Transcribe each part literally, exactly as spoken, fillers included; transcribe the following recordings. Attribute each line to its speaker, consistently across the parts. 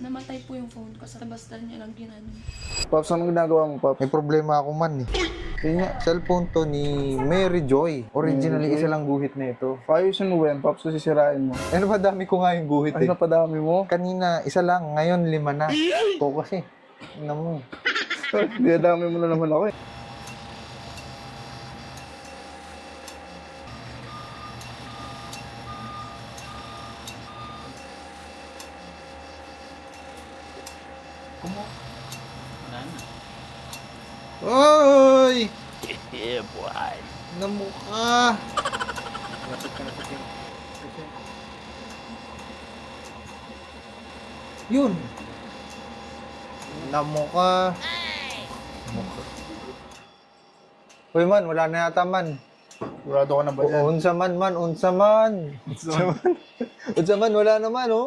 Speaker 1: namatay po yung phone ko. Sa basta niya lang ginano.
Speaker 2: Pops, anong ginagawa mo, Pops?
Speaker 3: May problema ako man eh. Yun nga, cellphone to ni Mary Joy. Originally,
Speaker 2: Mary Joy?
Speaker 3: isa lang guhit na ito.
Speaker 2: Ayusin mo ba yan, Pops? Kasi sisirain mo.
Speaker 3: Ano ba, dami ko nga yung guhit
Speaker 2: Ay,
Speaker 3: eh.
Speaker 2: napadami mo.
Speaker 3: Kanina, isa lang. Ngayon, lima na. Ito kasi. Ano mo.
Speaker 2: Dinadami mo na naman ako eh.
Speaker 3: Oy!
Speaker 4: Yeah, boy.
Speaker 3: Namukha! Yun! Namukha! Namukha. Uy man, wala na yata man.
Speaker 2: Sigurado ka na ba yan?
Speaker 3: Unsa man man, unsa man. Unsa man. Unsa man, wala naman oh.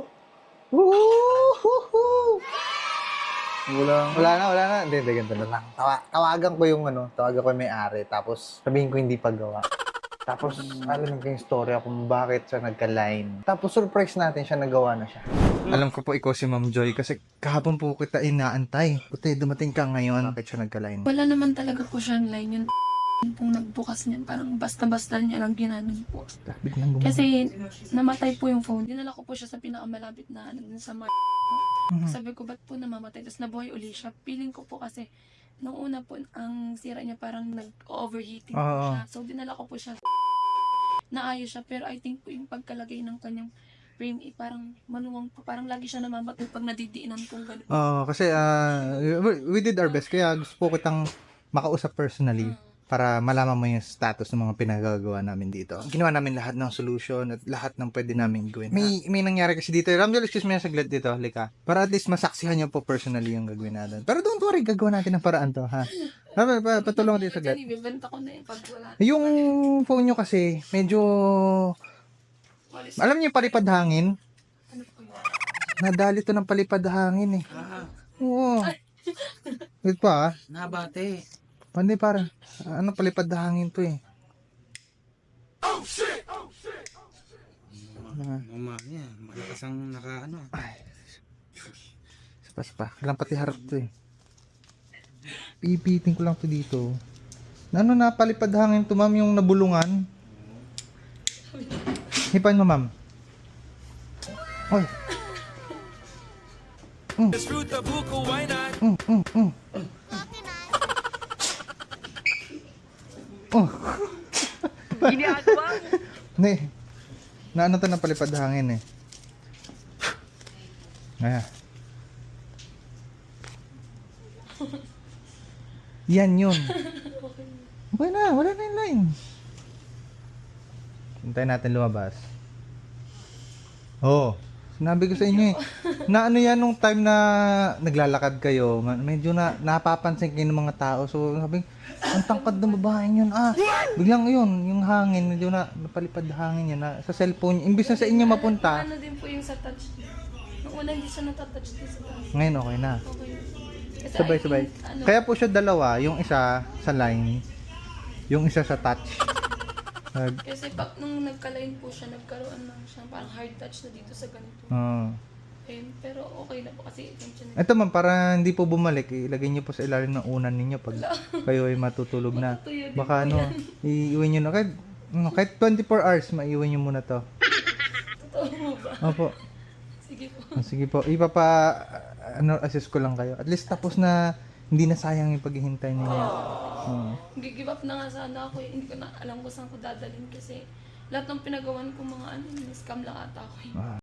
Speaker 3: Woohoo!
Speaker 2: Wala.
Speaker 3: Wala na, wala na. Hindi, hindi, ganito na lang. Tawa, tawagan ko yung ano, tawagan ko yung may-ari, tapos sabihin ko hindi paggawa. Tapos, alam ko yung storya kung bakit siya nagka-line. Tapos, surprise natin siya, nagawa na siya. Alam ko po ikaw si Ma'am Joy kasi kahapon po kita inaantay. Puti, dumating ka ngayon. Bakit siya nagka-line?
Speaker 1: Wala naman talaga po siyang line. Yung pong nagbukas niyan. Parang basta-basta niya lang ginano po.
Speaker 3: Biglang gumawa.
Speaker 1: Kasi namatay po yung phone. Dinala ko po siya sa pinakamalapit na ano, dun sa mar.
Speaker 3: Mhm.
Speaker 1: Sabi ko, ba't po namamatay? Tapos nabuhay uli siya. Feeling ko po kasi, nung una po, ang sira niya parang nag-overheating po
Speaker 3: Oo.
Speaker 1: siya. So, dinala ko po siya. Naayos siya. Pero I think po yung pagkalagay ng kanyang frame, eh, parang maluwang po. Parang lagi siya namamatay pag nadidiinan kong gano'n.
Speaker 3: Oo, kasi ah, we did our best. Kaya gusto po kitang makausap personally para malaman mo yung status ng mga pinagagawa namin dito. Ginawa namin lahat ng solution at lahat ng pwede namin gawin. May, may nangyari kasi dito. Ramjel, excuse me na saglit dito. Lika. Para at least masaksihan niyo po personally yung gagawin natin. Pero don't worry, gagawa natin ng paraan to, ha? Pa, pa, patulungan dito saglit.
Speaker 1: Actually, bibenta ko na yung pag wala.
Speaker 3: Yung phone nyo kasi, medyo... Alam niyo yung palipad hangin?
Speaker 1: Ano po yun?
Speaker 3: Nadali to ng palipad hangin eh. Oo. Wait pa ah.
Speaker 4: Nabate.
Speaker 3: Pandi para. Ano palipad hangin to eh.
Speaker 4: Mama niya, malakas ang naka ano.
Speaker 3: Spas pa. Kailang pati harap to eh. Pipiting ko lang to dito. Na ano na palipad hangin to ma'am yung nabulungan. Hipan mo ma'am. Oy. Mm. Mm, mm, mm. Oh.
Speaker 4: Ginagawa mo.
Speaker 3: Ne. Na ano to na palipad hangin eh. Ayan. Yan yun. Okay na, wala na yung line. Hintayin natin lumabas. Oo. Oh, sinabi ko sa inyo eh. Na ano yan nung time na naglalakad kayo, ma- medyo na napapansin kayo ng mga tao. So sabi, ang tangkad ng babaeng yun. Ah, biglang yun, yung hangin, medyo na napalipad hangin yan. Na, sa cellphone, imbis na sa inyo mapunta.
Speaker 1: Ano din po yung sa touch. Nung una hindi siya natatouch din sa touch.
Speaker 3: Ngayon okay na.
Speaker 1: Okay. Kasi
Speaker 3: Sabay,
Speaker 1: I
Speaker 3: sabay.
Speaker 1: think, ano,
Speaker 3: Kaya po siya dalawa, yung isa sa line, yung isa sa touch. Nag,
Speaker 1: kasi pag nung nagka-line po siya, nagkaroon ng siya parang hard touch na dito sa ganito.
Speaker 3: uh,
Speaker 1: Ayun, pero okay na po kasi attention na.
Speaker 3: Ito man, para hindi po bumalik, ilagay niyo po sa ilalim ng unan ninyo pag kayo ay matutulog na.
Speaker 1: Matutuyo din
Speaker 3: Baka
Speaker 1: po
Speaker 3: ano,
Speaker 1: yan.
Speaker 3: iiwan niyo na. Kahit, ano, kahit twenty-four hours, maiwan niyo muna to.
Speaker 1: Totoo po ba?
Speaker 3: Opo.
Speaker 1: Sige po.
Speaker 3: Ah, sige po. Ipapa, ano, assist ko lang kayo. At least tapos na, hindi na sayang yung paghihintay ninyo. Uh,
Speaker 1: Give up na nga sana ako eh. Hindi ko na alam kung saan ko dadalhin kasi lahat ng pinagawan ko mga ano, scam lang ata ako eh.
Speaker 3: ah.